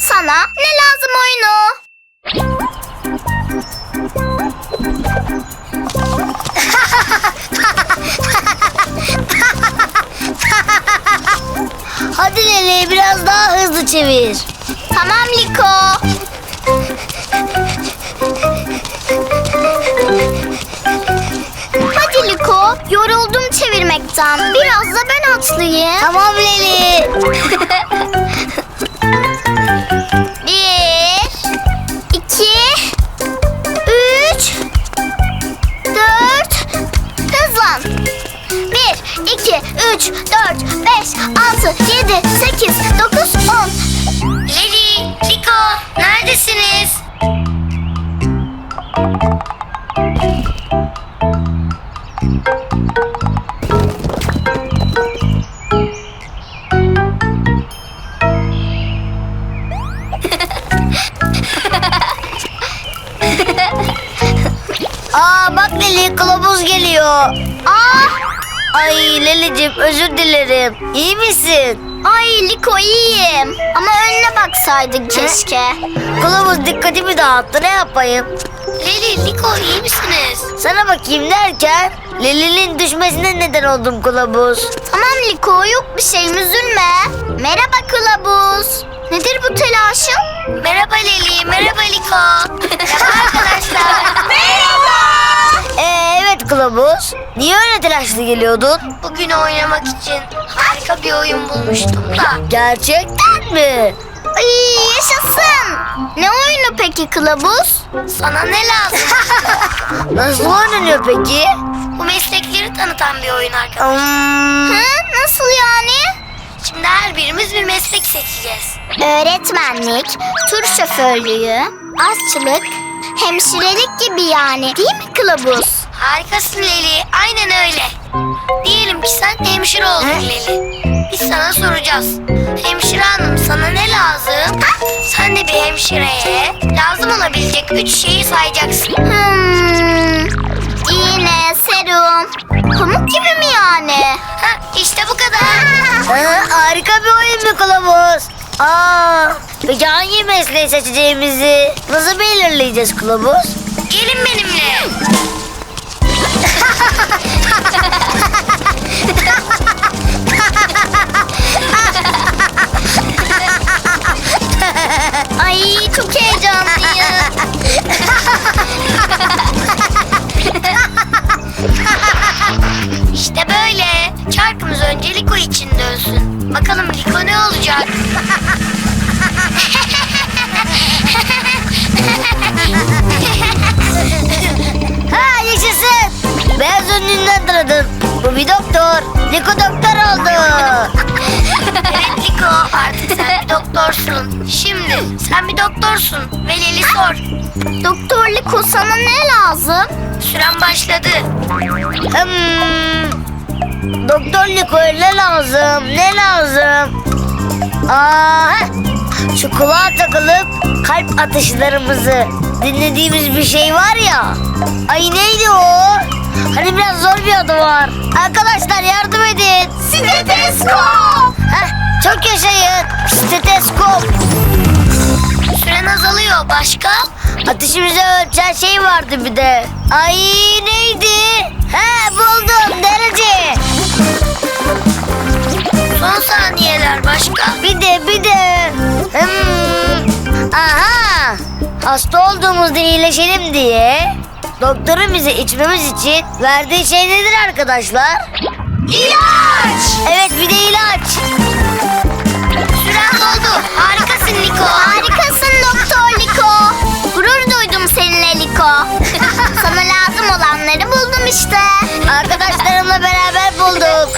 Sana ne lazım oyunu? Hadi Leli, biraz daha hızlı çevir. Tamam Liko. Hadi Liko, yoruldum çevirmekten. Biraz da ben atlayayım. Tamam Leli. 1, 2, 3, 4. Hızlan. 1, 2, 3, 4, 5, 6, 7, 8, 9, 10. Leli, Liko, neredesiniz? Aa bak Leli, kılavuz geliyor. Aa, Ay Leli'cim, özür dilerim. İyi misin? ay Liko iyiyim. Ama önüne baksaydın keşke. Kılavuz dikkatimi dağıttı, ne yapayım? Leli, Liko, iyi misiniz? Sana bakayım derken Leli'nin düşmesine neden oldum kılavuz. Tamam Liko, yok bir şeyim, üzülme. Merhaba kılavuz. Nedir bu telaşın? Merhaba Leli, merhaba Liko. Merhaba arkadaşlar. Evet kılavuz. Niye öyle telaşlı geliyordun? Bugün oynamak için harika bir oyun bulmuştum da. Gerçekten mi? Ay yaşasın. Ne oyunu peki kılavuz? Sana ne lazım? Nasıl oynanıyor peki? Bu meslekleri tanıtan bir oyun arkadaşlar. Hı, nasıl yani? Şimdi her birimiz bir meslek seçeceğiz. Öğretmenlik, tur şoförlüğü, aşçılık, hemşirelik gibi yani, değil mi kılavuz? Harikasın Leli, aynen öyle. Diyelim ki sen hemşire oldun Leli. Biz sana soracağız. Hemşire hanım, sana ne lazım? Sen de bir hemşireye lazım olabilecek 3 şeyi sayacaksın. İğne, serum, pamuk gibi mi yani? İşte bu kadar. Harika bir oyun mu kılavuz? Peki hangi mesleği seçeceğimizi nasıl belirleyeceğiz kılavuz? Gelin benimle. Ay çok heyecanlıyım. İşte böyle. Çarkımız önce Liko için dönsün. Bakalım Liko ne olacak? Ha yaşasın. Beyaz önlüğünden tanıdım. Bu bir doktor. Liko doktor oldu. Evet Liko, artık sen bir doktorsun. Şimdi sen bir doktorsun ve Leli sor. Doktor Liko, sana ne lazım? Süren başladı. Doktor Liko'ya ne lazım? Ne lazım? Şu kulağa takılıp kalp atışlarımızı dinlediğimiz bir şey var ya. Ay neydi o? Hani biraz zor bir adı var. Arkadaşlar yardım edin. Steteskop. Çok yaşayın. Steteskop. Süren azalıyor. Başka? Ateşimizi ölçen şey vardı bir de. Ay neydi? Buldum, derece. Son saniyeler. Başka? Bir de. Aha. Hasta olduğumuzda iyileşelim diye doktorun bize içmemiz için verdiği şey nedir arkadaşlar? İlaç. Evet, bir de ilaç. Süren doldu. Harikasın Liko. Harikasın Doktor Liko. Gurur duydum seninle Liko. Sana lazım olanları buldum işte. Arkadaşlarımla beraber bulduk.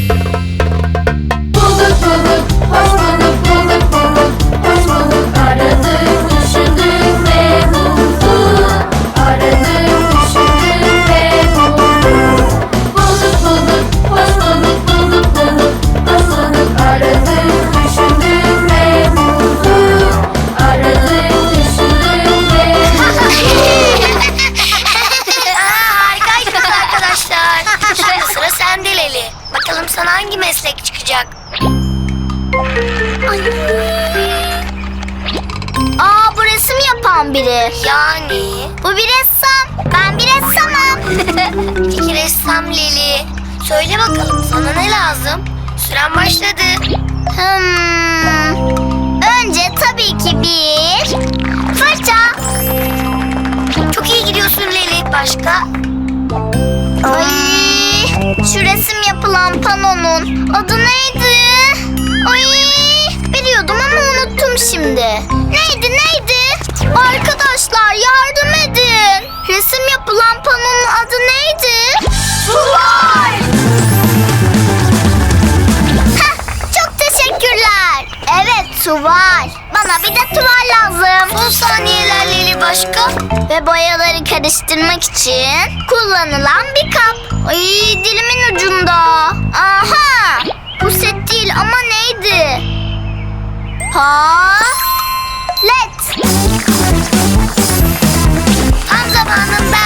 Bulduk bulduk, hoş bulduk, bulduk bulduk, hoş bulduk. Aradık, düşündük ve bulduk. Aradık, düşündük ve bulduk. Bulduk bulduk, hoş bulduk, bulduk bulduk, hoş bulduk. Aradık, düşündük ve bulduk. onlardan biri. Yani? Bu bir ressam. Ben bir ressamım. Peki ressam Leli. Söyle bakalım sana ne lazım? Süren başladı. Önce tabii ki bir fırça. Çok iyi gidiyorsun Leli. Başka? Ay, şu resim yapılan panonun adı neydi? Ay, biliyordum ama unuttum şimdi. Neydi? Arkadaşlar yardım edin. Resim yapılan panonun adı neydi? Tuval. Çok teşekkürler. Evet, tuval. Bana bir de tuval lazım. Son saniyeler Leli, başka? Ve boyaları karıştırmak için kullanılan bir kap. Ay, dilimin ucunda. Aha! Bu set değil ama neydi? Led. Tam zamanında.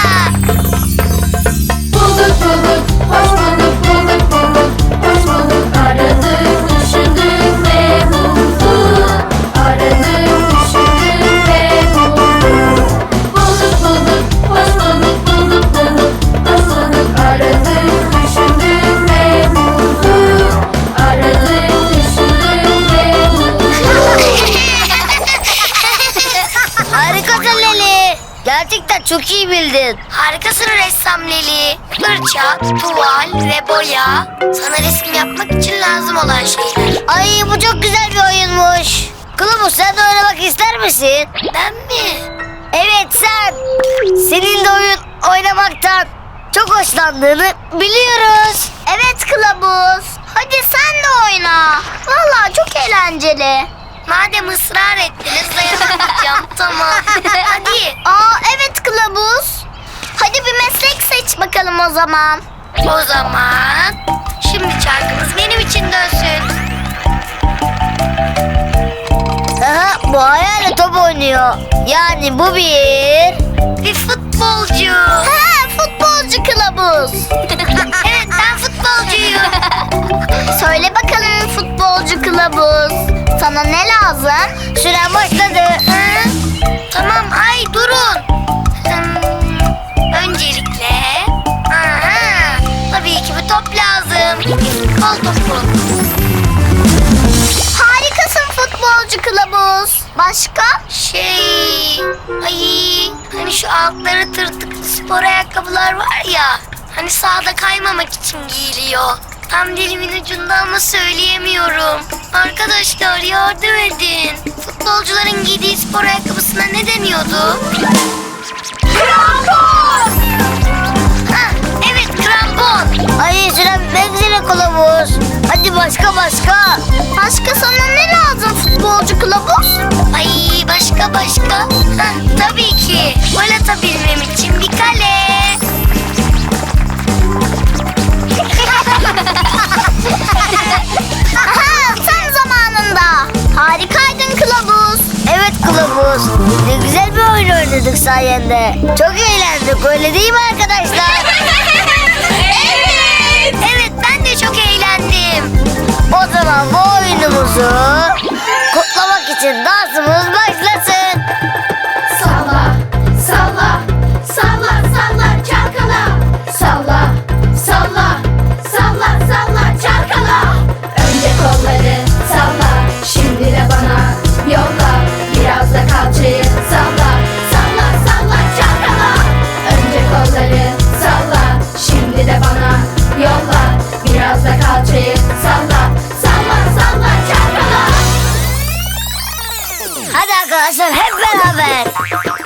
Bulduk bulduk, hoş bulduk, bulduk bulduk, hoş bulduk. Aradık, düşündük ve bulduk. Aradık, düşündük ve bulduk. Bulduk bulduk, hoş bulduk, bulduk bulduk, hoş bulduk. Aradık, düşündük ve bulduk. Aradık, düşündük ve bulduk. Harikasın Leli. Gerçekten çok iyi bildin. Harikasın ressam Leli. Fırça, tuval ve boya. Sana resim yapmak için lazım olan şeyler. Ay bu çok güzel bir oyunmuş. Kılavuz sen de oynamak ister misin? Ben mi? Evet sen. Senin de oyun oynamaktan çok hoşlandığını biliyoruz. Evet Kılavuz. Hadi sen de oyna. Vallahi çok eğlenceli. Madem ısrar ettiniz dayanamayacağım. Tamam. Hadi. Evet Kılavuz. Hadi bir meslek seç bakalım o zaman. O zaman şimdi çarkımız benim için dönsün. Aha, bu hayal top oynuyor. Yani bu Bir futbolcu. Futbolcu Kılavuz. Evet, ben futbolcuyum. Söyle bakalım futbolcu Kılavuz. Sana ne lazım? süren başladı. Hı? Tamam, ay durun. Öncelikle tabii ki bir top lazım. Bir futbol topu. Harikasın futbolcu Kılavuz. Başka? Hani şu altları tırtıklı spor ayakkabılar var ya. Hani sahada kaymamak için giyiliyor. Tam dilimin ucunda ama söyleyemiyorum. Arkadaşlar yardım edin. Futbolcuların giydiği spor ayakkabısına ne deniyordu? Krampon! Evet, krampon. Ay süren bitmek üzere kılavuz. Hadi başka. Başka sana ne lazım futbolcu Kılavuz? Ay başka. Tabii ki. Gol atabilmem için bir kale. Aha, tam zamanında. Harikaydın Kılavuz. Evet kılavuz. Ne güzel bir oyun oynadık sayende. Çok eğlendik öyle değil mi arkadaşlar? Evet, ben de çok eğlendim. O zaman bu oyunumuzu kutlamak için dansımız başlasın. Salla, salla, salla, salla çalkala. Salla, salla, salla, salla çalkala. Önce kolları salla, şimdi de bana yolla. Biraz da kalçayı salla, salla, salla çalkala. Önce kolları salla, şimdi de bana yolla. Biraz da kalçayı salla, salla, salla çalkala. Hadi arkadaşlar hep beraber.